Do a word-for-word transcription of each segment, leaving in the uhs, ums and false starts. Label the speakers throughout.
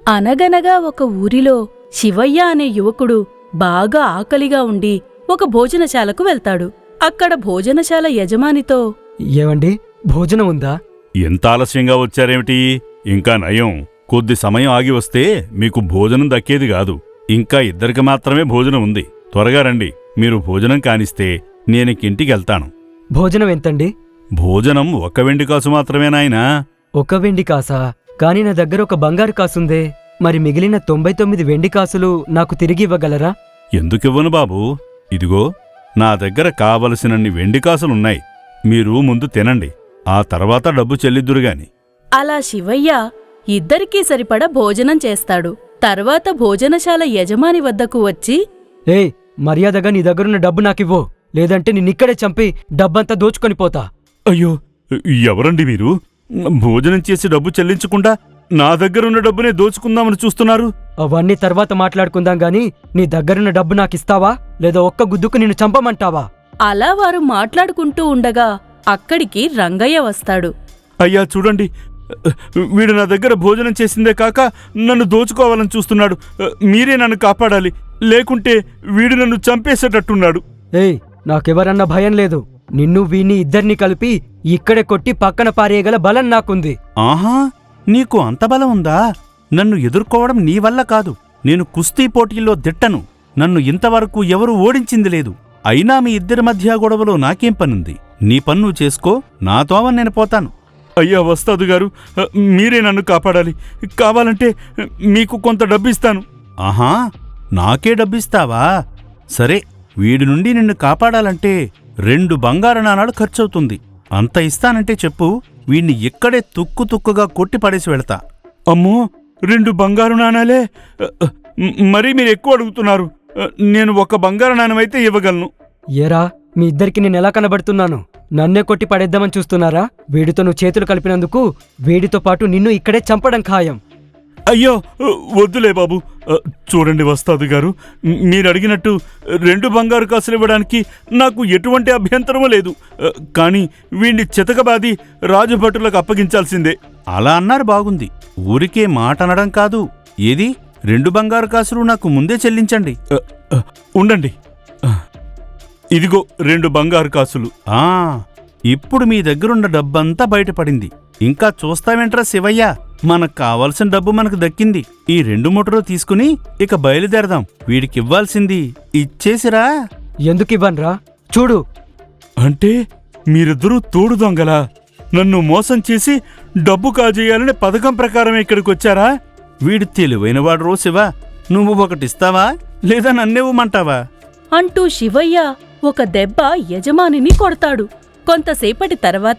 Speaker 1: అనగనగా ఒక ఊరిలో శివయ్య అనే యువకుడు బాగా ఆకలిగా ఉండి ఒక భోజనశాలకు వెళ్తాడు. అక్కడ భోజనశాల యజమానితో,
Speaker 2: ఏవండి, భోజనం ఉందా?
Speaker 3: ఎంత ఆలస్యంగా వచ్చారేమిటి? ఇంకా నయం, కొద్ది సమయం ఆగి వస్తే మీకు భోజనం దక్కేది కాదు. ఇంకా ఇద్దరికి మాత్రమే భోజనం ఉంది. త్వరగా రండి. మీరు భోజనం కానిస్తే నేనింటికెళ్తాను.
Speaker 2: భోజనం ఎంతండి?
Speaker 3: భోజనం ఒక్క వెండి కాసు మాత్రమే నాయనా.
Speaker 2: ఒక వెండి కాసా? కాని నా దగ్గర ఒక బంగారు కాసుందే. మరి మిగిలిన తొంభై తొమ్మిది వెండి కాసులు నాకు తిరిగి ఇవ్వగలరా?
Speaker 3: ఎందుకివ్వను బాబూ, ఇదిగో నా దగ్గర కావలసినన్ని వెండి కాసులున్నాయి. మీరు ముందు తినండి, ఆ తర్వాత డబ్బు చెల్లిద్దురుగాని.
Speaker 1: అలా శివయ్య ఇద్దరికీ సరిపడా భోజనం చేస్తాడు. తర్వాత భోజనశాల యజమాని వద్దకు వచ్చి,
Speaker 2: ఏయ్, మర్యాదగా నీ దగ్గరున్న డబ్బు నాకివ్వు, లేదంటే నిన్నిక్కడే చంపి డబ్బంతా దోచుకొని పోతా.
Speaker 3: అయ్యో, ఎవరండి మీరు? భోజనం చేసి డబ్బు చెల్లించకుండా నా దగ్గరున్న డబ్బునే దోచుకుందామని చూస్తున్నారు?
Speaker 2: అవన్నీ తర్వాత మాట్లాడుకుందాం గాని నీ దగ్గరున్న డబ్బు నాకిస్తావా, లేదా ఒక్క గుద్దుకు నిన్ను చంపమంటావా?
Speaker 1: అలా వారు మాట్లాడుకుంటూ ఉండగా అక్కడికి రంగయ్య వస్తాడు.
Speaker 3: అయ్యా చూడండి, వీడు నా దగ్గర భోజనం చేసిందే కాక నన్ను దోచుకోవాలని చూస్తున్నాడు. మీరే నన్ను కాపాడాలి, లేకుంటే వీడు నన్ను చంపేసేటట్టున్నాడు.
Speaker 2: ఏయ్, నాకెవరన్నా భయం లేదు. నిన్ను వీణ్ణి ఇద్దరినీ కలిపి ఇక్కడే కొట్టి పక్కన పారేయగల బలం నాకుంది.
Speaker 3: ఆహా, నీకు అంత బలం ఉందా? నన్ను ఎదుర్కోవడం నీ వల్ల కాదు. నేను కుస్తీ పోటీల్లో దిట్టను. నన్ను ఇంతవరకు ఎవరూ ఓడించింది లేదు. అయినా మీ ఇద్దరి మధ్య గొడవలో నాకేం పనుంది? నీ పన్ను చేసుకో, నా తోవ నేను పోతాను. అయ్యా వస్తాదు గారు, మీరే నన్ను కాపాడాలి. కావాలంటే మీకు కొంత డబ్బిస్తాను. ఆహా, నాకే డబ్బిస్తావా? సరే, వీడి నుండి నిన్ను కాపాడాలంటే రెండు బంగారు నాణాలు ఖర్చవుతుంది. అంత ఇస్తానంటే చెప్పు, వీణ్ణి ఇక్కడే తుక్కు తుక్కుగా కొట్టి పడేసి వెళతా. అమ్మో, రెండు బంగారు నాణాలే? మరీ మీరు ఎక్కువ అడుగుతున్నారు. నేను ఒక బంగారు నాణమైతే ఇవ్వగలను.
Speaker 2: ఏరా, మీ ఇద్దరికి నేనెలా కనబడుతున్నాను? నన్నే కొట్టి పడేద్దామని చూస్తున్నారా? వీడితో నువ్వు చేతులు కలిపినందుకు వీడితో పాటు నిన్ను ఇక్కడే చంపడం ఖాయం.
Speaker 3: అయ్యో వద్దులే బాబు. చూడండి వస్తాదు గారు, మీరు అడిగినట్టు రెండు బంగారు కాసులు ఇవ్వడానికి నాకు ఎటువంటి అభ్యంతరమూ లేదు. కానీ వీణ్ణి చితకబాది రాజభటులకు అప్పగించాల్సిందే. అలా అన్నారు బాగుంది. ఊరికే మాట అనడం కాదు. ఏది, రెండు బంగారు కాసులు నాకు ముందే చెల్లించండి. ఉండండి, ఇదిగో రెండు బంగారు కాసులు. ఆ ఇప్పుడు మీ దగ్గరున్న డబ్బంతా బయటపడింది. ఇంకా చూస్తావేంట్రా శివయ్య, మనకు కావాల్సిన డబ్బు మనకు దక్కింది. ఈ రెండు మూటలు తీసుకుని ఇక బయలుదేరదాం. వీడికివ్వాల్సింది ఇచ్చేసిరా.
Speaker 2: ఎందుకివ్వన్రా? చూడు.
Speaker 3: అంటే మీరిద్దరూ తోడు దొంగలా? నన్ను మోసం చేసి డబ్బు కాజేయాలనే పథకం ప్రకారమే ఇక్కడికొచ్చారా? వీడు తెలివైనవాడు రో శివ. నువ్వు ఒకటిస్తావా, లేదా నన్నేవ్వమంటావా?
Speaker 1: అంటూ శివయ్య ఒక దెబ్బ యజమానిని కొడతాడు. కొంతసేపటి తర్వాత,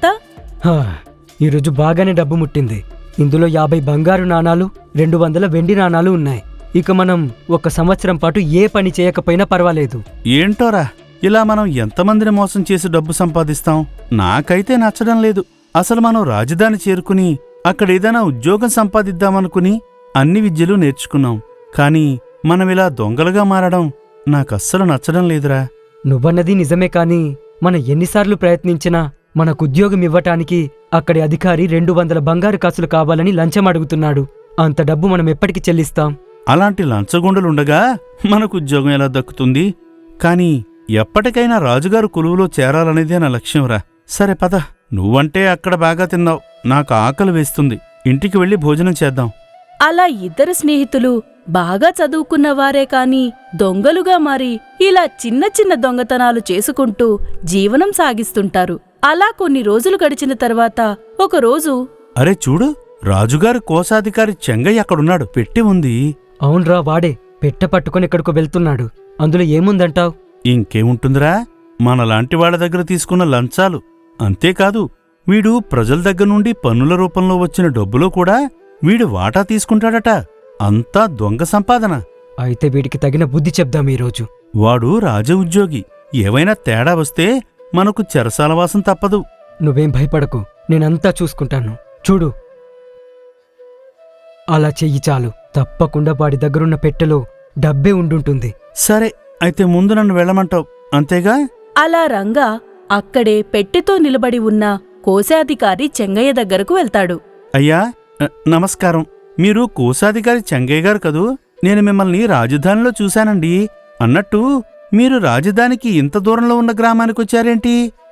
Speaker 2: ఈరోజు బాగానే డబ్బు ముట్టింది. ఇందులో యాభై బంగారు నాణాలు, రెండు వందల వెండి నాణాలు ఉన్నాయి. ఇక మనం ఒక సంవత్సరం పాటు ఏ పని చేయకపోయినా పర్వాలేదు.
Speaker 3: ఏంటోరా, ఇలా మనం ఎంతమందిని మోసం చేసి డబ్బు సంపాదిస్తాం? నాకైతే నచ్చడం లేదు. అసలు మనం రాజధాని చేరుకుని అక్కడేదైనా ఉద్యోగం సంపాదిద్దామనుకుని అన్ని విద్యలు నేర్చుకున్నాం. కాని మనమిలా దొంగలుగా మారడం నాకస్సలు నచ్చడం లేదురా.
Speaker 2: నువ్వన్నది నిజమే, కాని మనం ఎన్నిసార్లు ప్రయత్నించినా మనకు ఉద్యోగం ఇవ్వటానికి అక్కడి అధికారి రెండు వందల బంగారు కాసులు కావాలని లంచం అడుగుతున్నాడు. అంత డబ్బు మనం ఎప్పటికి చెల్లిస్తాం?
Speaker 3: అలాంటి లంచగొండలుండగా మనకు ఉద్యోగం ఎలా దక్కుతుంది? కాని ఎప్పటికైనా రాజుగారు కొలువులో చేరాలనేదే నా లక్ష్యంరా. సరే పద, నువ్వంటే అక్కడ బాగా తిన్నావు, నాకు ఆకలి వేస్తుంది. ఇంటికి వెళ్ళి భోజనం చేద్దాం.
Speaker 1: అలా ఇద్దరు స్నేహితులు బాగా చదువుకున్నవారే కాని దొంగలుగా మారి ఇలా చిన్న చిన్న దొంగతనాలు చేసుకుంటూ జీవనం సాగిస్తుంటారు. అలా కొన్ని రోజులు గడిచిన తర్వాత ఒకరోజు,
Speaker 3: అరే చూడు, రాజుగారి కోశాధికారి చెంగయ్య అక్కడున్నాడు. పెట్టి ఉంది.
Speaker 2: అవునరా, వాడే పెట్ట పట్టుకుని ఎక్కడికో వెళ్తున్నాడు. అందులో ఏముందంటావ్?
Speaker 3: ఇంకేముంటుందిరా, మనలాంటి వాళ్ల దగ్గర తీసుకున్న లంచాలు. అంతేకాదు, వీడు ప్రజల దగ్గర నుండి పన్నుల రూపంలో వచ్చిన డబ్బులో కూడా వీడు వాటా తీసుకుంటాడట. అంతా దొంగ సంపాదన.
Speaker 2: అయితే వీడికి తగిన బుద్ధి చెప్దాం ఈరోజు.
Speaker 3: వాడు రాజ ఉద్యోగి. ఏవైనా తేడా వస్తే మనకు చెరసాలవాసం తప్పదు.
Speaker 2: నువ్వేం భయపడకు, నేనంతా చూసుకుంటాను. చూడు, అలా చెయ్యి చాలు. తప్పకుండా వాడి దగ్గరున్న పెట్టెలో డబ్బే ఉండుంటుంది.
Speaker 3: సరే, అయితే ముందు నన్ను వెళ్ళమంటావు, అంతేగా?
Speaker 1: అలా రంగా అక్కడే పెట్టెతో నిలబడి ఉన్న కోశాధికారి చెంగయ్య దగ్గరకు వెళ్తాడు.
Speaker 3: అయ్యా నమస్కారం. మీరు కోశాధికారి చెంగయ్య గారు కదూ? నేను మిమ్మల్ని రాజధానిలో చూశానండి. అన్నట్టు మీరు రాజధానికి ఇంత దూరంలో ఉన్న గ్రామానికొచ్చారేంటి?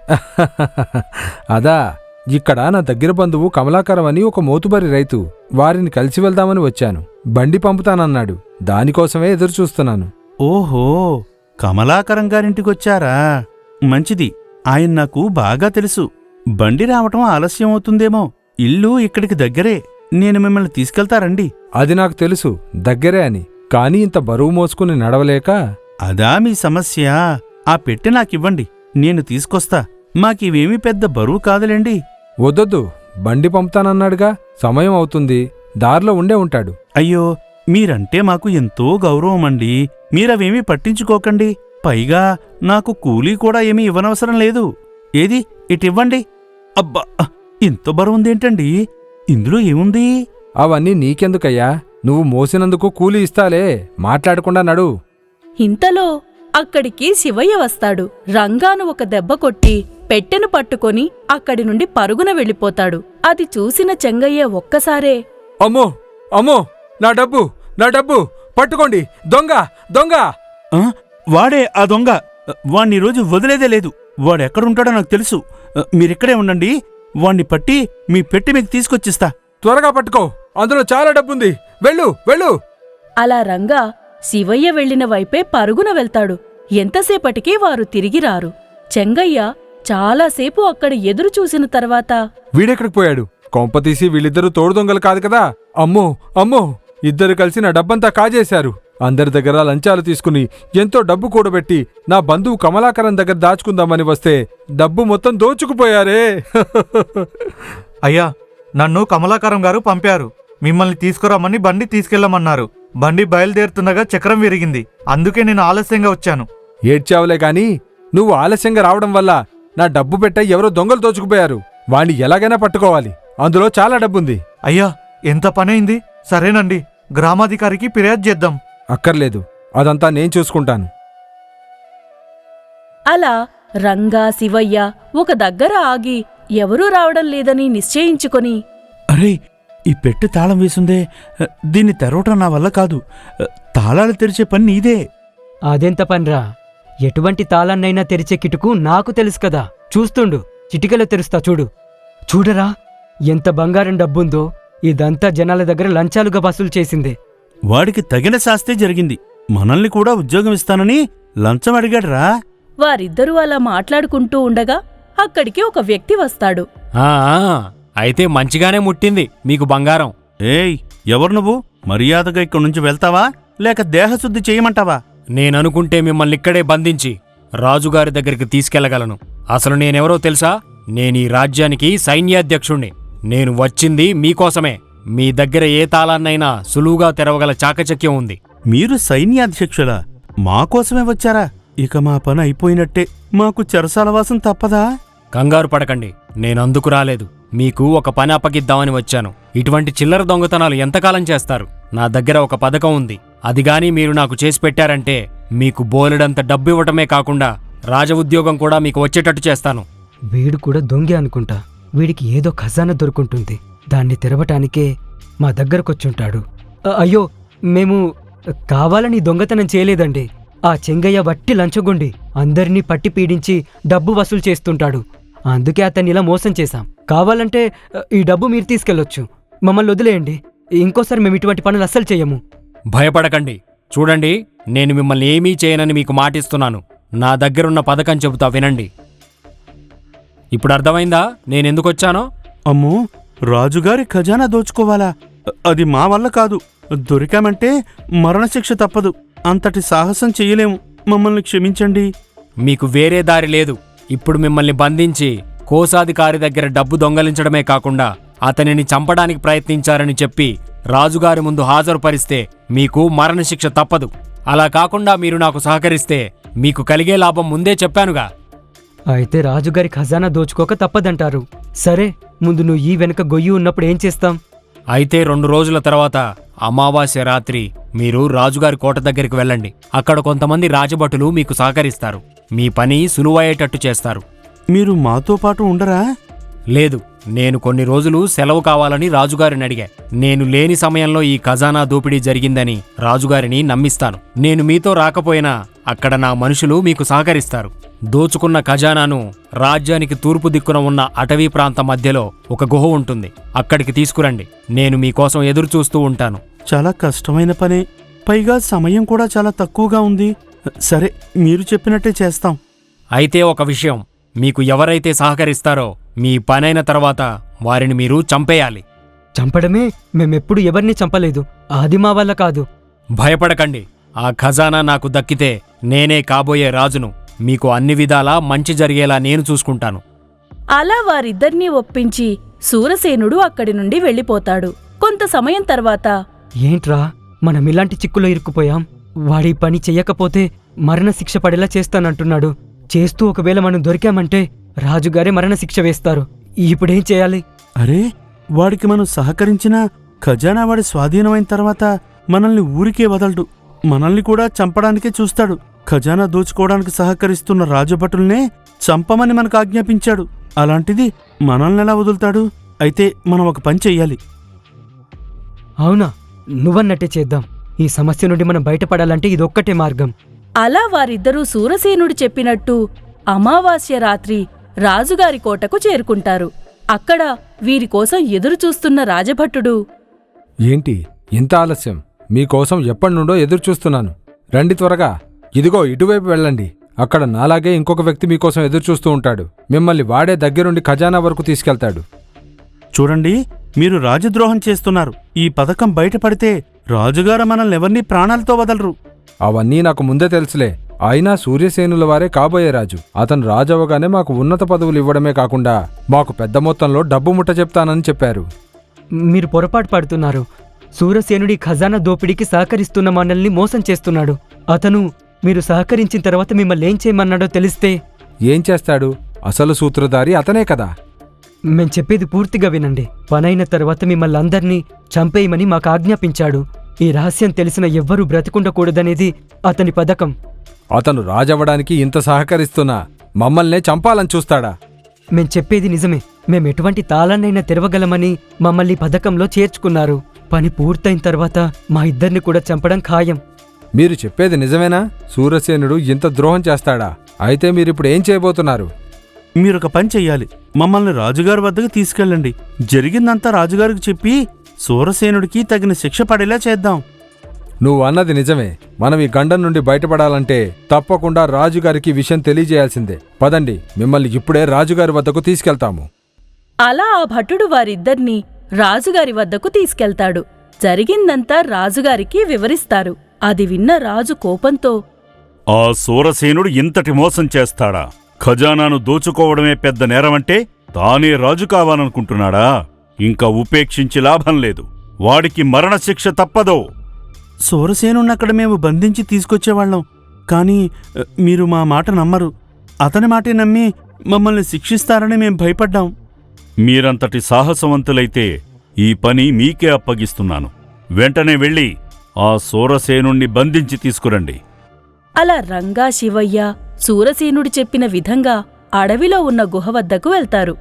Speaker 4: అదా, ఇక్కడ నా దగ్గర బంధువు కమలాకరం అని ఒక మోతుబరి రైతు. వారిని కలిసి వెళ్దామని వచ్చాను. బండి పంపుతానన్నాడు. దానికోసమే ఎదురు చూస్తున్నాను.
Speaker 3: ఓహో, కమలాకరం గారింటికొచ్చారా? మంచిది. ఆయన నాకు బాగా తెలుసు. బండి రావటం ఆలస్యం అవుతుందేమో. ఇల్లు ఇక్కడికి దగ్గరే. నేను మిమ్మల్ని తీసుకెళ్తారండి.
Speaker 4: అది నాకు తెలుసు, దగ్గరే అని. కాని ఇంత బరువు మోసుకుని నడవలేక.
Speaker 3: అదా మీ సమస్య? ఆ పెట్టె నాకివ్వండి, నేను తీసుకొస్తా. మాకివేమీ పెద్ద బరువు కాదులేండి.
Speaker 4: వద్దొద్దు, బండి పంపుతానన్నాడుగా. సమయం అవుతుంది, దారిలో ఉండే ఉంటాడు.
Speaker 3: అయ్యో, మీరంటే మాకు ఎంతో గౌరవమండి. మీరవేమీ పట్టించుకోకండి. పైగా నాకు కూలీ కూడా ఏమీ ఇవ్వనవసరం లేదు. ఏది, ఇటివ్వండి. అబ్బా, ఇంత బరువుందేంటండి? ఇందులో ఏముంది?
Speaker 4: అవన్నీ నీకెందుకయ్యా? నువ్వు మోసినందుకు కూలీ ఇస్తాలే. మాట్లాడకుండా నడు.
Speaker 1: ఇంతలో అక్కడికి శివయ్య వస్తాడు. రంగాను ఒక దెబ్బ కొట్టి పెట్టెను పట్టుకొని అక్కడి నుండి పరుగున వెళ్ళిపోతాడు. అది చూసిన చెంగయ్య ఒక్కసారే,
Speaker 4: అమ్మో అమ్మో, నా డబ్బు నా డబ్బు పట్టుకోండి, దొంగ దొంగ!
Speaker 3: ఆ, వాడే ఆ దొంగ. వాణ్ణి రోజు వదిలేదే లేదు. వాడెక్కడుంటాడో నాకు తెలుసు. మీరిక్కడే ఉండండి. వాణ్ణి పట్టి మీ పెట్టి మీకు తీసుకొచ్చిస్తా.
Speaker 4: త్వరగా పట్టుకో, అందులో చాలా డబ్బుంది. వెళ్ళు వెళ్ళు.
Speaker 1: అలా రంగా శివయ్య వెళ్లిన వైపే పరుగున వెళ్తాడు. ఎంతసేపటికి వారు తిరిగి రారు. చెంగయ్య చాలాసేపు అక్కడ ఎదురు చూసిన తర్వాత,
Speaker 4: వీడెక్కడికి పోయాడు? కొంపతీసి వీళ్ళిద్దరూ తోడు దొంగలు కాదు కదా? అమ్మో అమ్మో, ఇద్దరు కలిసి నా డబ్బంతా కాజేశారు. అందరి దగ్గర లంచాలు తీసుకుని ఎంతో డబ్బు కూడబెట్టి నా బంధువు కమలాకరం దగ్గర దాచుకుందామని వస్తే డబ్బు మొత్తం దోచుకుపోయారే.
Speaker 5: అయ్యా, నన్ను కమలాకరం గారు పంపారు. మిమ్మల్ని తీసుకురమ్మని బండి తీసుకెళ్లమన్నారు. బండి బయలుదేరుతుండగా చక్రం విరిగింది. అందుకే నేను ఆలస్యంగా వచ్చాను.
Speaker 4: ఏడ్చావులే గాని, నువ్వు ఆలస్యంగా రావడం వల్ల నా డబ్బు పెట్ట ఎవరో దొంగలు దోచుకుపోయారు. వాణ్ణి ఎలాగైనా పట్టుకోవాలి. అందులో చాలా డబ్బుంది.
Speaker 5: అయ్యా, ఎంత పనైంది. సరేనండి, గ్రామాధికారికి ఫిర్యాదు చేద్దాం.
Speaker 4: అక్కర్లేదు, అదంతా నేను చూసుకుంటాను.
Speaker 1: అలా రంగా శివయ్య ఒక దగ్గర ఆగి ఎవరూ రావడం లేదని నిశ్చయించుకొని,
Speaker 3: అరే, ఈ పెట్టె తాళం వేసుందే. దీన్ని తెరవటం నా వల్ల కాదు. తాళాలు తెరిచే పని నీదే.
Speaker 2: అదెంత పనిరా? ఎటువంటి తాళాన్నైనా తెరిచే కిటుకు నాకు తెలుసు కదా. చూస్తుండు, చిటికలో తెరుస్తా చూడు. చూడరా, ఎంత బంగారం డబ్బుందో. ఇదంతా జనాల దగ్గర లంచాలుగా వసూలు చేసిందే.
Speaker 3: వాడికి తగిన శాస్తే జరిగింది. మనల్ని కూడా ఉద్యోగం ఇస్తానని లంచం అడిగాడ్రా.
Speaker 1: వారిద్దరూ అలా మాట్లాడుకుంటూ ఉండగా అక్కడికి ఒక వ్యక్తి వస్తాడు.
Speaker 6: ఆ అయితే మంచిగానే ముట్టింది మీకు బంగారం.
Speaker 3: ఏయ్, ఎవరు నువ్వు? మర్యాదగా ఇక్కడి నుంచి వెళ్తావా లేక దేహశుద్ధి చేయమంటావా?
Speaker 6: నేననుకుంటే మిమ్మల్ని ఇక్కడే బంధించి రాజుగారి దగ్గరికి తీసుకెళ్లగలను. అసలు నేనెవరో తెలుసా? నేనీ రాజ్యానికి సైన్యాధ్యక్షుణ్ణి. నేను వచ్చింది మీకోసమే. మీ దగ్గర ఏ తాళాన్నైనా సులువుగా తెరవగల చాకచక్యం ఉంది.
Speaker 3: మీరు సైన్యాధ్యక్షులా? మాకోసమే వచ్చారా? ఇక మా పని అయిపోయినట్టే. మాకు చెరసాలవాసం తప్పదా?
Speaker 6: కంగారు పడకండి, నేనందుకు రాలేదు. మీకు ఒక పని అప్పగిద్దామని వచ్చాను. ఇటువంటి చిల్లర దొంగతనాలు ఎంతకాలం చేస్తారు? నా దగ్గర ఒక పథకం ఉంది. అదిగాని మీరు నాకు చేసి పెట్టారంటే మీకు బోలెడంత డబ్బు ఇవ్వటమే కాకుండా రాజ ఉద్యోగం కూడా మీకు వచ్చేటట్టు చేస్తాను.
Speaker 2: వీడు కూడా దొంగే అనుకుంటా. వీడికి ఏదో ఖజానా దొరుకుంటుంది. దాన్ని తెరవటానికే మా దగ్గరకొచ్చుంటాడు. అ- అయ్యో, మేము కావాలని దొంగతనం చేయలేదండి. ఆ చెంగయ్య వట్టి లంచగొండి అందరినీ పట్టి పీడించి డబ్బు వసూలు చేస్తుంటాడు. అందుకే అతన్ని ఇలా మోసం చేశాం. కావాలంటే అ, ఈ డబ్బు మీరు తీసుకెళ్ళొచ్చు. మమ్మల్ని వదిలేయండి. ఇంకోసారి మేము ఇటువంటి పనులు అస్సలు చెయ్యము.
Speaker 6: భయపడకండి. చూడండి, నేను మిమ్మల్ని ఏమీ చేయనని మీకు మాటిస్తున్నాను. నా దగ్గరున్న పథకం చెబుతా వినండి. ఇప్పుడు అర్థమైందా నేనెందుకొచ్చానో?
Speaker 3: అమ్మో, రాజుగారి ఖజానా దోచుకోవాలా? అది మా వల్ల కాదు. దొరికామంటే మరణశిక్ష తప్పదు. అంతటి సాహసం చెయ్యలేము. మమ్మల్ని క్షమించండి.
Speaker 6: మీకు వేరే దారి లేదు. ఇప్పుడు మిమ్మల్ని బంధించి కోశాధికారి దగ్గర డబ్బు దొంగలించడమే కాకుండా అతనిని చంపడానికి ప్రయత్నించారని చెప్పి రాజుగారి ముందు హాజరుపరిస్తే మీకు మరణశిక్ష తప్పదు. అలా కాకుండా మీరు నాకు సహకరిస్తే మీకు కలిగే లాభం ముందే చెప్పానుగా.
Speaker 2: అయితే రాజుగారి ఖజానా దోచుకోక తప్పదంటారు. సరే, ముందు నువ్వు ఈ వెనక గొయ్యి ఉన్నప్పుడు ఏం చేస్తాం?
Speaker 6: అయితే రెండు రోజుల తర్వాత అమావాస్య రాత్రి మీరు రాజుగారి కోట దగ్గరికి వెళ్ళండి. అక్కడ కొంతమంది రాజభటులు మీకు సహకరిస్తారు. మీ పని సులువయ్యేటట్టు చేస్తారు.
Speaker 3: మీరు మాతో పాటు ఉండరా?
Speaker 6: లేదు, నేను కొన్ని రోజులు సెలవు కావాలని రాజుగారిని అడిగా. నేను లేని సమయంలో ఈ ఖజానా దోపిడీ జరిగిందని రాజుగారిని నమ్మిస్తాను. నేను మీతో రాకపోయినా అక్కడ నా మనుషులు మీకు సహకరిస్తారు. దోచుకున్న ఖజానాను రాజ్యానికి తూర్పు దిక్కున ఉన్న అటవీ ప్రాంతం మధ్యలో ఒక గుహ ఉంటుంది. అక్కడికి తీసుకురండి. నేను మీకోసం ఎదురు చూస్తూ ఉంటాను.
Speaker 3: చాలా కష్టమైన పనే, పైగా సమయం కూడా చాలా తక్కువగా ఉంది. సరే, మీరు చెప్పినట్టే చేస్తాం.
Speaker 6: అయితే ఒక విషయం, మీకు ఎవరైతే సహకరిస్తారో మీ పనైన తర్వాత వారిని మీరు చంపేయాలి.
Speaker 2: చంపడమే? మేమెప్పుడు ఎవరిని చంపలేదు. అది మా వల్ల కాదు.
Speaker 6: భయపడకండి. ఆ ఖజానా నాకు దక్కితే నేనే కాబోయే రాజును. మీకు అన్ని విధాలా మంచి జరిగేలా నేను చూసుకుంటాను.
Speaker 1: అలా వారిద్దర్నీ ఒప్పించి సూరసేనుడు అక్కడి నుండి వెళ్ళిపోతాడు. కొంత సమయం తర్వాత
Speaker 2: ఏంట్రా, మనం ఇలాంటి చిక్కులో ఇరుక్కుపోయాం. వాడి పని చెయ్యకపోతే మరణశిక్ష పడేలా చేస్తానంటున్నాడు. చేస్తూ ఒకవేళ మనం దొరికామంటే రాజుగారే మరణశిక్ష వేస్తారు. ఇప్పుడేం చేయాలి?
Speaker 3: అరే, వాడికి మనం సహకరించినా ఖజానా వాడి స్వాధీనమైన తర్వాత మనల్ని ఊరికే వదలడు. మనల్ని కూడా చంపడానికే చూస్తాడు. ఖజానా దోచుకోవడానికి సహకరిస్తున్న రాజభటుల్నే చంపమని మనకు ఆజ్ఞాపించాడు. అలాంటిది మనల్ని ఎలా వదులుతాడు? అయితే మనం ఒక పని చెయ్యాలి.
Speaker 2: అవునా? నువ్వన్నట్టే చేద్దాం. ఈ సమస్య నుండి మనం బయటపడాలంటే ఇదొక్కటే మార్గం.
Speaker 1: అలా వారిద్దరూ సూరసేనుడు చెప్పినట్టు అమావాస్య రాత్రి రాజుగారి కోటకు చేరుకుంటారు. అక్కడ వీరికోసం ఎదురుచూస్తున్న రాజభట్టుడు,
Speaker 4: ఏంటి ఇంత ఆలస్యం? మీకోసం ఎప్పటినుండో ఎదురుచూస్తున్నాను. రండి త్వరగా. ఇదిగో ఇటువైపు వెళ్ళండి. అక్కడ నాలాగే ఇంకొక వ్యక్తి మీకోసం ఎదురుచూస్తూ ఉంటాడు. మిమ్మల్ని వాడే దగ్గరుండి ఖజానా వరకు తీసుకెళ్తాడు.
Speaker 3: చూడండి, మీరు రాజద్రోహం చేస్తున్నారు. ఈ పథకం బయటపడితే రాజుగారు మనల్ని ఎవరినీ ప్రాణాలతో వదలరు.
Speaker 4: అవన్నీ నాకు ముందే తెలుసులే. అయినా సూర్యసేనుల వారే కాబోయే రాజు. అతను రాజవగానే మాకు ఉన్నత పదవులు ఇవ్వడమే కాకుండా మాకు పెద్ద మొత్తంలో డబ్బు ముట్ట చెప్తానని చెప్పారు.
Speaker 2: మీరు పొరపాటు పడుతున్నారు. సూరసేనుడి ఖజానా దోపిడీకి సహకరిస్తున్న మనల్ని మోసం చేస్తున్నాడు. అతను మీరు సహకరించిన తర్వాత మిమ్మల్ని ఏం చేయమన్నాడో తెలిస్తే
Speaker 4: ఏం చేస్తాడు? అసలు సూత్రధారి అతనే కదా.
Speaker 2: మేం చెప్పేది పూర్తిగా వినండి. పనైన తర్వాత మిమ్మల్ని అందర్నీ చంపేయమని మాకు ఆజ్ఞాపించాడు. ఈ రహస్యం తెలిసిన ఎవ్వరూ బ్రతికుండకూడదనేది అతని పథకం.
Speaker 4: అతను రాజవ్వడానికి ఇంత సహకరిస్తున్నా మమ్మల్నే చంపాలని చూస్తాడా?
Speaker 2: మేం చెప్పేది నిజమే. మేం ఎటువంటి తాళాన్నైనా తెరవగలమని మమ్మల్ని పథకంలో చేర్చుకున్నారు. పని పూర్తయిన తర్వాత మా ఇద్దరిని కూడా చంపడం ఖాయం.
Speaker 4: మీరు చెప్పేది నిజమేనా? సూరసేనుడు ఇంత ద్రోహం చేస్తాడా? అయితే మీరిప్పుడు ఏం చేయబోతున్నారు?
Speaker 3: మీరొక పని చెయ్యాలి. మమ్మల్ని రాజుగారి వద్దకు తీసుకెళ్ళండి. జరిగిందంతా రాజుగారికి చెప్పి సూరసేనుడికి తగిన శిక్ష పడేలా చేద్దాం.
Speaker 4: నువ్వు అన్నది నిజమే. మనం ఈ గండం నుండి బయటపడాలంటే తప్పకుండా రాజుగారికి విషయం తెలియజేయాల్సిందే. పదండి, మిమ్మల్ని ఇప్పుడే రాజుగారి వద్దకు తీసుకెళ్తాము.
Speaker 1: అలా ఆ భటుడు వారిద్దర్నీ రాజుగారి వద్దకు తీసుకెళ్తాడు. జరిగిందంతా రాజుగారికి వివరిస్తారు. అది విన్న రాజు కోపంతో,
Speaker 3: ఆ సూరసేనుడు ఇంతటి మోసం చేస్తాడా? ఖజానాను దోచుకోవడమే పెద్ద నేరమంటే తానే రాజు కావాలనుకుంటున్నాడా? ఇంకా ఉపేక్షించి లాభం లేదు. వాడికి మరణశిక్ష తప్పదో. సూరసేనున్నక్కడ మేము బంధించి తీసుకొచ్చేవాళ్లం. కాని మీరు మా మాట నమ్మరు. అతని మాటే నమ్మి మమ్మల్ని శిక్షిస్తారని మేం భయపడ్డాం. మీరంతటి సాహసవంతులైతే ఈ పని మీకే అప్పగిస్తున్నాను. వెంటనే వెళ్ళి ఆ సూరసేనుణ్ణి బంధించి తీసుకురండి.
Speaker 1: అలా రంగా, శివయ్య సూరసేనుడు చెప్పిన విధంగా అడవిలో ఉన్న గుహ వద్దకు వెళ్తారు.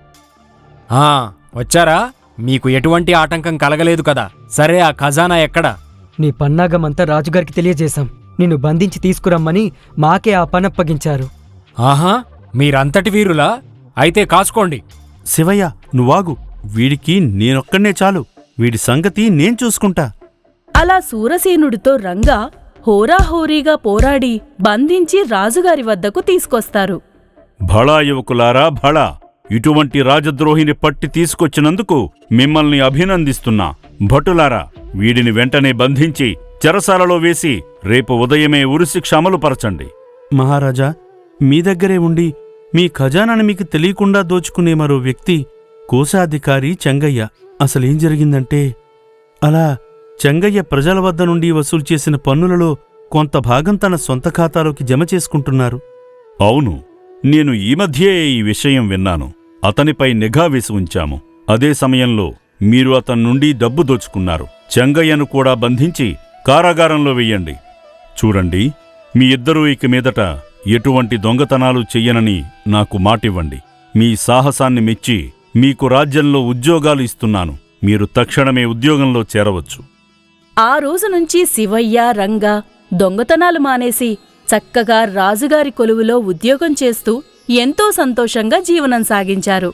Speaker 6: ఆ వచ్చారా? మీకు ఎటువంటి ఆటంకం కలగలేదు కదా? సరే, ఆ ఖజానా ఎక్కడా?
Speaker 2: నీ పన్నాగమంతా రాజుగారికి తెలియజేశాం. నిన్ను బంధించి తీసుకురమ్మని మాకే ఆ పనప్పగించారు.
Speaker 6: ఆహా, మీరంతటి వీరులా? అయితే కాచుకోండి.
Speaker 3: శివయ్య, నువ్వాగు. వీడికి నేనొక్కడే చాలు. వీడి సంగతి నేను చూసుకుంటా.
Speaker 1: అలా సూరసేనుడితో రంగా హోరాహోరీగా పోరాడి బంధించి రాజుగారి వద్దకు తీసుకొస్తారు.
Speaker 3: భళా యువకులారా, భళా! ఇటువంటి రాజద్రోహిని పట్టి తీసుకొచ్చినందుకు మిమ్మల్ని అభినందిస్తున్నా. భటులారా, వీడిని వెంటనే బంధించి చెరసాలలో వేసి రేపు ఉదయమే ఉరిశిక్ష అమలుపరచండి. మహారాజా, మీ దగ్గరే ఉండి మీ ఖజానాని మీకు తెలియకుండా దోచుకునే మరో వ్యక్తి కోశాధికారి చెంగయ్య. అసలేం జరిగిందంటే, అలా చెంగయ్య ప్రజల వద్ద నుండి వసూలు చేసిన పన్నులలో కొంత భాగం తన సొంత ఖాతాలోకి జమ చేసుకుంటున్నారు. అవును, నేను ఈ మధ్యే ఈ విషయం విన్నాను. అతనిపై నిఘా వేసి ఉంచాము. అదే సమయంలో మీరు అతని నుండి డబ్బు దోచుకున్నారు. చెంగయ్యను కూడా బంధించి కారాగారంలో వెయ్యండి. చూడండి, మీ ఇద్దరూ ఇక మీదట ఎటువంటి దొంగతనాలు చెయ్యనని నాకు మాటివ్వండి. మీ సాహసాన్ని మెచ్చి మీకు రాజ్యంలో ఉద్యోగాలు ఇస్తున్నాను. మీరు తక్షణమే ఉద్యోగంలో చేరవచ్చు.
Speaker 1: ఆ రోజు నుంచి శివయ్య రంగ దొంగతనాలు మానేసి చక్కగా రాజుగారి కొలువులో ఉద్యోగం చేస్తూ ఎంతో సంతోషంగా జీవనం సాగించారు.